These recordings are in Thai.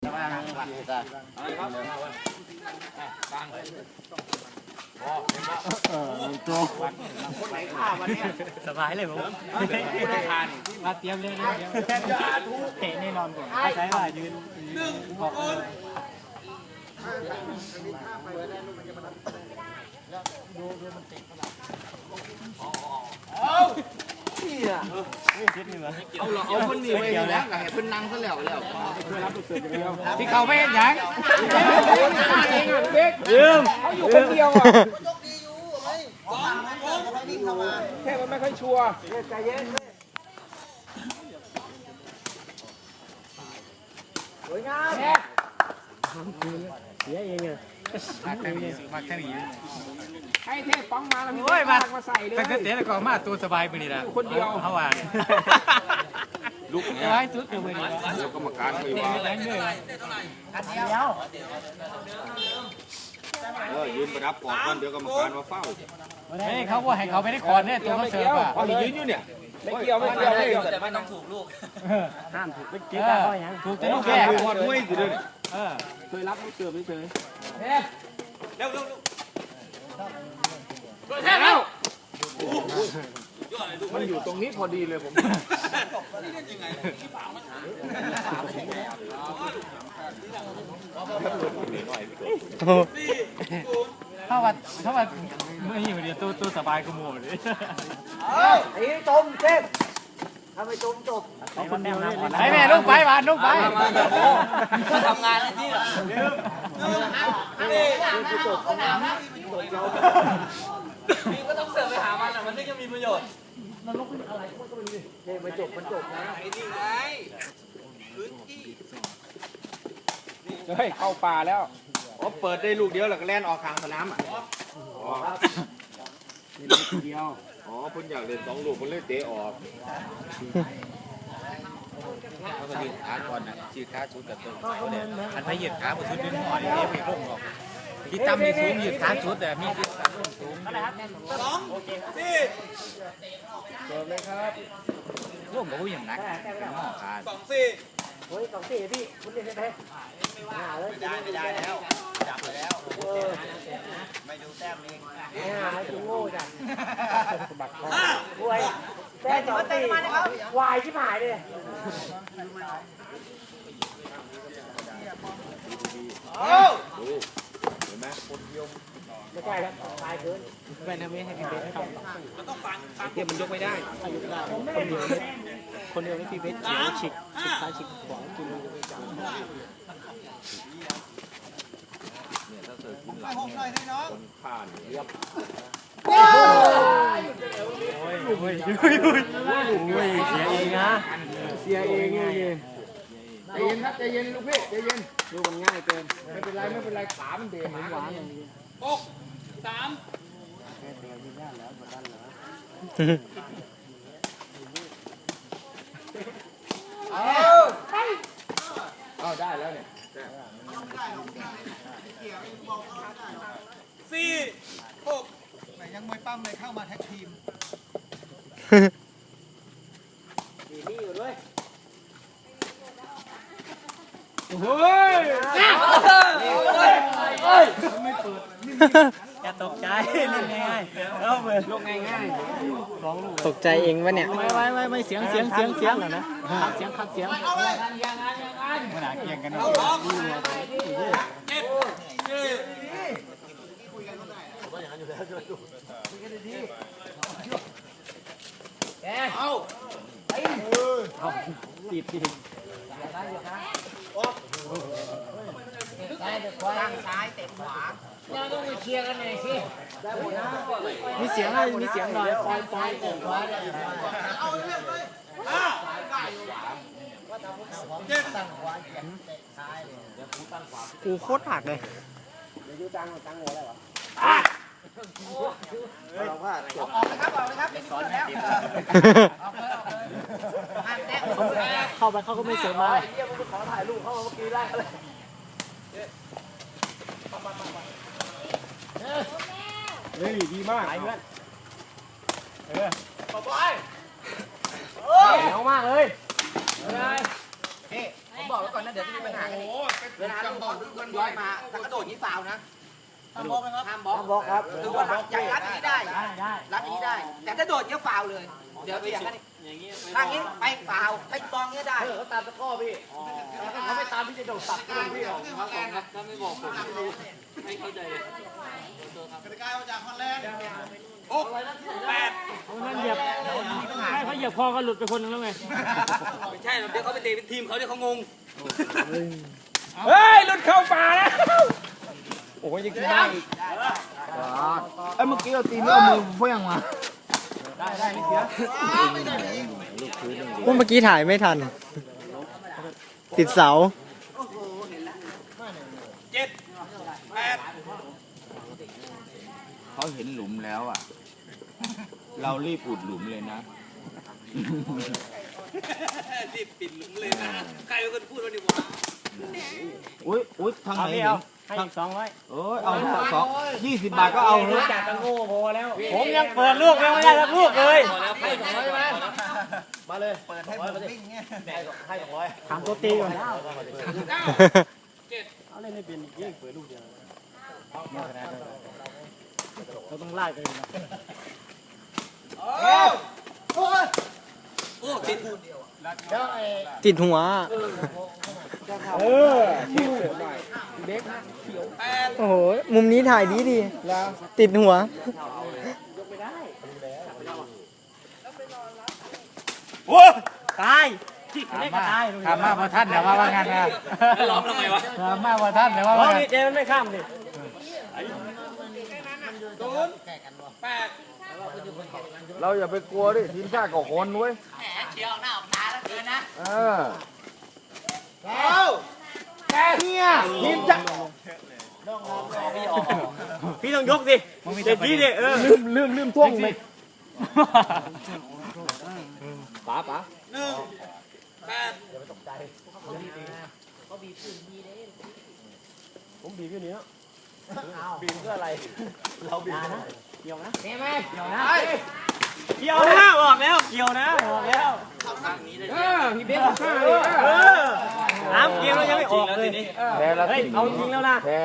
สบายเลยผมมาเตรียมเลยเตะแน่นอนก่อนใช้ว่ายืนบอกเอาคนนี้ไปแล้วไงเพิ่นนั่งซะแล้วที่เขาไม่เห็นยังลืมเขาอยู่คนเดียวอ่ะแค่มันไม่ค่อยชัวร์ใจเย็นสวยงามเสียเองอะมาแค่นี้ให้เทพป้องมาแล้วโอ้ยมาใส่เลยแต่ก็เตะแล้วก็มาตัวสบายไปนี่ละคนเดียวเขาว่าลุกเนี่ยร้ายสุดเลยนี่เดี๋ยวกรรมการคุยว่ายืนประดับก่อนเดี๋ยวกรรมการมาเฝ้าเฮ้ยเขาว่าให้เขาไม่ได้คอนเนี่ยตัวเขาเสิร์ฟอ่ะยืนอยู่เนี่ยไม่เกี่ยวแต่ไม่ต้องถูกลูกห้ามถูกเกี่ยวถูกจะลูกแก่หมดด้วยสิเด้อเคยรับลูกเสือไม่เคยเร็วมันอยู่ตรงนี้พอดีเลยผมถ้าว่าไม่อยู่เดียวตัวสบายก็หมดเลยไอ้จมเทพทำไมจมจบไอ้แม่ลูกไปบ้านลูกไปมาทำงานอะไรที่พี่ก็ต้องเสิร์ฟไปหามันอ่ะมันถึงจะมีประโยชน์มันลบอะไรก็ไม่รู้เนี่ยมันจบนะไอ้นี่ไงพื้นที่เฮ้ยเข้าป่าแล้วเปิดได้ลูกเดียวแล้วก็แล่นออกทางสนามอ่ะนี่ลูกเดียวคุณอยากเล่น2 ลูกคุณเลยเตะออกเขาก็ยืดขาก่อนนะยืดขาชุดกับตัวเขาเนี่ยอันไปยืดขาบนชุดดึงหน่อยเนี่ยไม่ลงหรอกที่ตั้มมีสูงยืดขาชุดแต่มีที่ตั้มสูง 2 4 เปิดเลยครับร่วมกับผู้อย่างนักหม้อขาด 2 4 เฮ้ย2 4พี่คุณเรียนได้ไหมไม่ได้แล้วจับไปแล้วไม่ดูแต้มเองจุโง่จังบักคอรวยแต้2 4วายชิบหายเลยเห็นไหมคนเดียวไม่ใช่ครับตายเกินแม่ทำไม่ให้พี่เบสทมันต้องฟังเดี๋ยวมันยกไม่ได้คนเดียวนี่พี่เบสเฉียวฉีกซ้ายฉีกขวากินเลยจังเนี่ยถ้าเกิดกินหลังคนผ่านเรียบโอ้ยเสียเองนะเสียเองไงใจเย็นครับใจเย็นลูกพี่ใจเย็นดูมันง่ายเกินไม่เป็นไรขามันเดหวานอย่างนี้ 6 3 เอาได้แล้วเนี่ย 4 6ยังมวยปั้มเลยเข้ามาแท็กทีมนี่อยู่ด้วยเฮ้ยไม่เปิดอย่าตกใจเล่นง่ายเอาไปลงง่ายตกใจเองวะเนี่ยไม่เสียงเหรอนะเสียงคัดเสียงมันหนาเกียงกันเนาะติดตั้งซ้ายเตะขวาเราต้องไปเคลียร์กันหน่อยสิมีเสียงอะไรมีเสียงหน่อยปล่อยเตะขวาเอาเรื่องเลยกูโคตรหักเลยเดี๋ยวยูตังหัวได้หรอเราว่าออกเลยครับไม่สอนแล้วเข้าไปเขาก็ไม่เสียมาเยี่ยมขอถ่ายรูปเขาเมื่อกี้ไล่เลยเฮ้ยดีมากไอ้เพื่อนต่อไปเหนียวมากเลยพี่ผมบบอกไว้ก่อนนะเดี๋ยวจะมีปัญหากันอีกเวลาลูกบอลย้อยมาถ้ากระโดดนี้ฟาวนะห้ามบล็อกนะครับห้ามบล็อกครับคือว่าใจรัดอย่างนี้ได้รัดอย่างนี้ได้แต่ถ้าโดดเนี้ยฟาวเลยเดี๋ยวอย่างนั้นทางนี้ไปฟาวไปบอลเนี้ยได้เขาตามตะก้อพี่เขาไม่ตามพี่จะโดดสับพี่พี่ออกถ้าไม่บอกผมไม่เข้าใจเลยกติกามาจากฮอลแลนด์นั่นเหยียบให้เขาเหยียบคอก็หลุดไปคนนึงแล้วไงไม่ใช่เดี๋ยวเขาไปเตะเป็นทีมเขาเดี๋ยวเขางงเฮ้ยหลุดเข้าป่าแล้วโอ้ยยังกินได้อีกเอ้ยเมื่อกี้เราตีเนื้อมือเพื่องมาเมื่อกี้ถ่ายไม่ทัน ติดเสาเขาเห็นหลุมแล้วอ่ะ เรารีบอุดหลุมเลยนะรีบปิดหลุมเลยนะใครเป็นคนพูดวันนี้วะอุ้ยทางไหนให้อีก200 เอ้ยเอา20 บาทก็เอาเลยจากตะโง่พอแล้วผมยังเปิดลูกยังไม่ได้สักลูกเลยให้200ไหมมาเลยเปิดให้ผมวิ่งเงี้ยให้200 ถามตัวตีก่อนเอาเล่นให้เป็นอีกยิ่งเปิดลูกเดียวเราต้องไล่กันนะโอ้ติดติดหัว โอ้โห มุมนี้ถ่ายดีดีติดหัวตายเล็กก็ตายถามมาพอท่านเดี๋ยวว่าว่างั้นนะล้อมทำไมวะถามมาพอท่านเดี๋ยวว่าเพว่าราะงั้นนี่เจมันไม่ข้ามดิเราอย่าไปกลัวดิทีมชาติก็คนเว้ยแหมเชียวหน้าออกตาแล้วเกินนะเนี่ยทีมชาติพี่ต้องยกสิเด็ดพี่ดิลืมท่วงไปป๋าผมบีบอยู่นี่เนาะบีบเพื่ออะไรเราบีบนะเกี่ยวนะเกี่ยวนะเกี่ยวนะบอกแล้วเกี่ยวนะบอกแล้วพี่เบ๊กฆ่าเลยน้ำเกมเรายังไม่ออกเลยแพ้แล้วเฮ้ยเอาจริงแล้วนะแพ้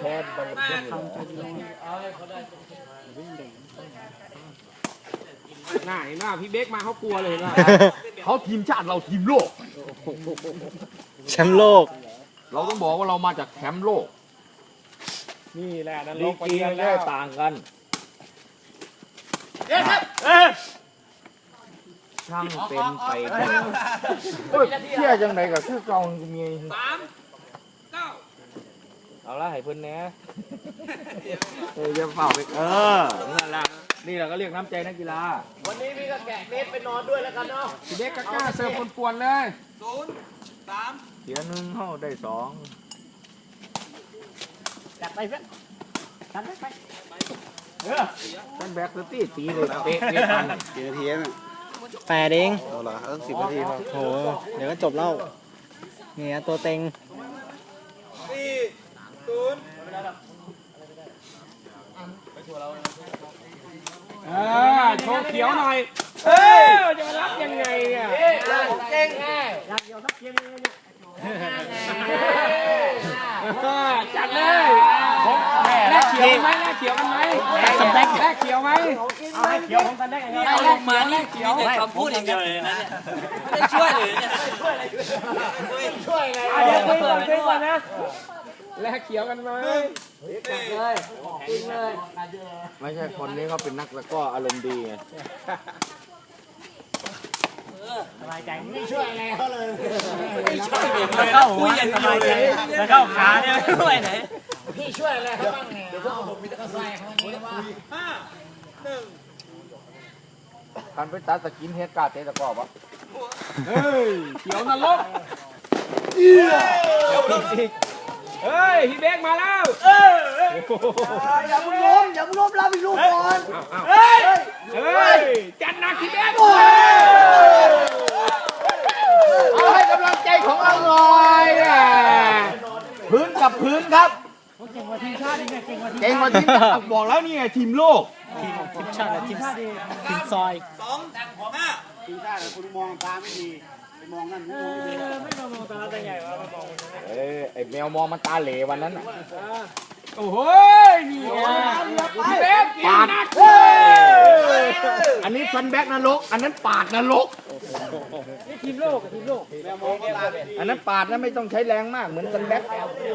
หน้าเห็นว่าพี่เบ๊กมาเขากลัวเลยนะเขาทีมชาติเราทีมโลกแชมป์โลกเราต้องบอกว่าเรามาจากแชมป์โลกนี่แหละนั่นลีลกงไปกีเยมันอะแค่แล้วต่างกัน ช่างเป็นไปได้เชื่อจังไหนกับชื่อเก่าเมียเอาละให้เพิ่นแหน่จะเป่าไปนั่นแหละนี่เราก็เรียกน้ำใจนักกีฬาวันนี้พี่ก็แกะเม็ดไปนอนด้วยแล้วกันเนาะพี่เด็กกล้าเสิร์ฟปวนๆเลย เสีย1เข้าได้2 จัดไปเพื่อนจัดไปท่านแบ็กสตี้ตีเลยเตะทันกี่นาทีน่ะ 8 เองเอาละ10 นาทีครับโห เดี๋ยวก็จบแล้วเนี่ยตัวเต็งโชว์เขียวหน่อยจะมารับยังไงเนี่ยเก่งแน่อยากเขียวสักเขียวเลยเนี่ยจัดเลยแลกเขียวไหมแลกเขียวกันไหมแลกเขียวไหมเอาให้เขียวของกันได้ไงเอาลงมานี่มีแต่คำพูดอย่างเดียวเลยนะเนี่ยไม่ได้ช่วยเลยเนี่ยเดี๋ยวคุยก่อนนะแลกเขียวกันไหมไม่ใช่คนนี้เขาเป็นนักแล้วก็อารมณ์ดีไงสบายใจแล้วเข้าคุยอย่างเดียวเลยแล้วเข้าขาเนี่ยไม่ช่วยไหนการไปตัดสกินเฮดการ์ดเตะตะกอบวะเฮ้ยเขียวนรกเฮ้ยพี่เบกมาแล้วอย่ามึงล้มรับอีกลูกก่อนเฮ้ยจัดหนักพี่เบกเอาให้กำลังใจของเราหน่อยพื้นกับพื้นครับเก่งกว่าทีมชาติอีกเนี่ยเก่งกว่าทีมเก่งกว่าทีมชาติบอกแล้วนี่ไงทีมโลกชาติทีมซอยทีมชาติคุณมองตาไม่ดีไอ้แมวมองมันตาเหลวันนั้นโอ้โหนี่ปาดอันนี้ฟันแบ็กนรกอันนั้นปาดนรกนี่ทีมโลกอันนั้นปาดนะไม่ต้องใช้แรงมากเหมือนฟันแบ็ก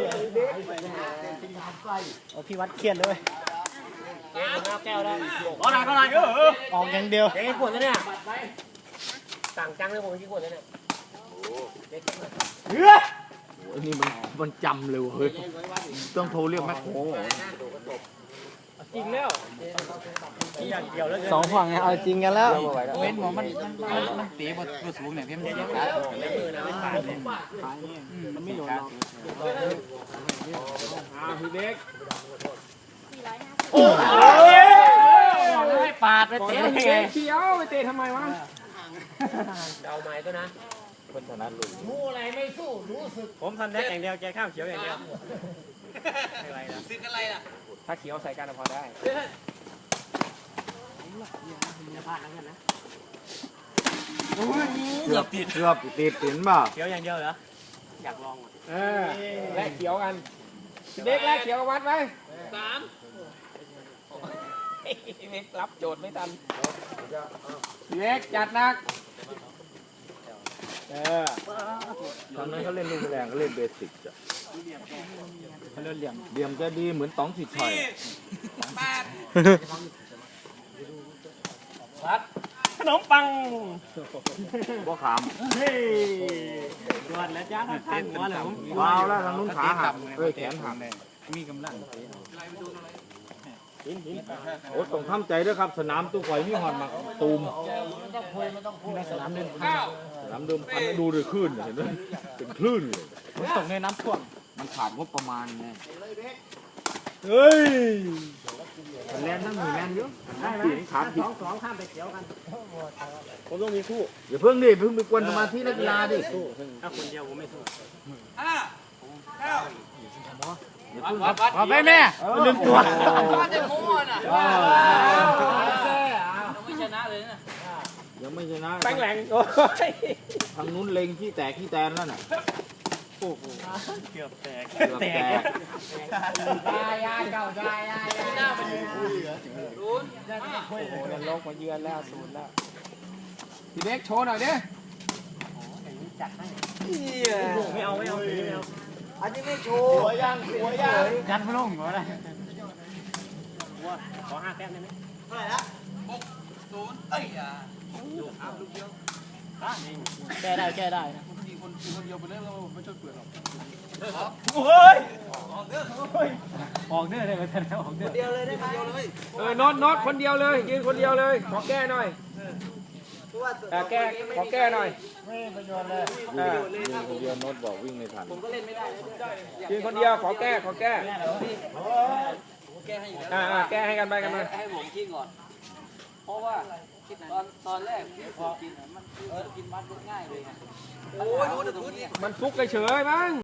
โอ้พี่วัดเครียดเลยแก้วได้ก็ได้ออกอย่างเดียวเด็กขวดแล้วเนี่ยสั่งจังเลยผมกินขวดแล้วเนี่ยนี่มันจำเลยเฮ้ยต้องโทรเรียกแมคโครจริงแล้วอย่างเดียวแล้วสองฝั่งเนี่ยเอาจริงกันแล้วเว้นหมอมันเตะบนสูงเนี่ยเพี้ยนเหยียบขาสุดเลยมันไม่โดนเราพี่เด็กให้ปาดไปเตะได้ไงเขียวไปเตะทำไมวะเดาไม้ตัวนะคนถนัดลุยผมทันแท็กอย่างเดียวแกข้าวเขียวอย่างเดียวอะไรนะซื้ออะไรล่ะถ้าเขียวใส่กันพอได้เกือบติดเห็นป่ะเขียวอย่างเดียวเหรออยากลองแลกเขียวกันเด็กแลกเขียววัดไว้เม็กรับโจทย์ไม่ทันเด็กจัดหนักตอนนั้นเขาเล่นลูกแรงเขาเล่นเบสิกจ้ะเขาเล่นเหลี่ยมจะดีเหมือนต๋องสิทธิ์ชัยขนมปังบ่ขามเฮ้ยดวนแล้วจ้าทางหัวเหรอวาวแล้วทางนู้นขาหักแขนหักมีกำลังโอ้ต้องทำใจด้วยครับสนามตู้ข่อยมีหอดมาตูมสนามเดิมพันดูเลยคลื่นเห็นไหมเป็นคลื่นเลยมันตกในน้ำท่วมมันขาดงบประมาณไงเฮ้ยแลนทั้งหมู่แลนเยอะเสียงขาดผิดสองข้ามไปเขียวกันผมต้องมีคู่อย่าเพิ่งดิเพิ่งไปกวนสมาธินักกีฬาดิถ้าคนเดียวผมไม่สู้เอาไปแม่ลืมตัวว่าจะมั่วน่ะ ไม่ชนะเลยนะยังไม่ชนะแป้งแหลงโอ้ยทางนู้นเล็งที่แตกที่แตนแล้วน่ะเกือบแตกเกือบแตกหน้ามันรู้โลกมาเยือนแล้วศูนย์แล้วพี่เด็กโชว์หน่อยดิไม่เอาอันนี้ไม่โชว์หัวยังยัดไม่ลงหัวอะไรขอ5 แต้มได้ไหมเอ้ยแก้ได้นะโอ้ยออกเนื้อเลยแต่ออกเนื้อเดียวเลยได้ไหมเดียวเลยน็อตคนเดียวเลยยืนคนเดียวเลยขอแก้หน่อยแก้ขอแก้หน่อยไม่ประโยชน์เลยยืนคนเดียวโน้ตบอกวิ่งไม่ทันผมก็เล่นไม่ได้ยืนคนเดียวขอแก้แก้ให้อยู่แล้วแก้ให้กันไปกันมาให้ผมกินก่อน เพราะว่าตอนแรกที่ผมกินมันกินมัดง่ายเลยไงโอ้ยรู้แต่ตรงนี้มันฟุกเฉยๆมั้ง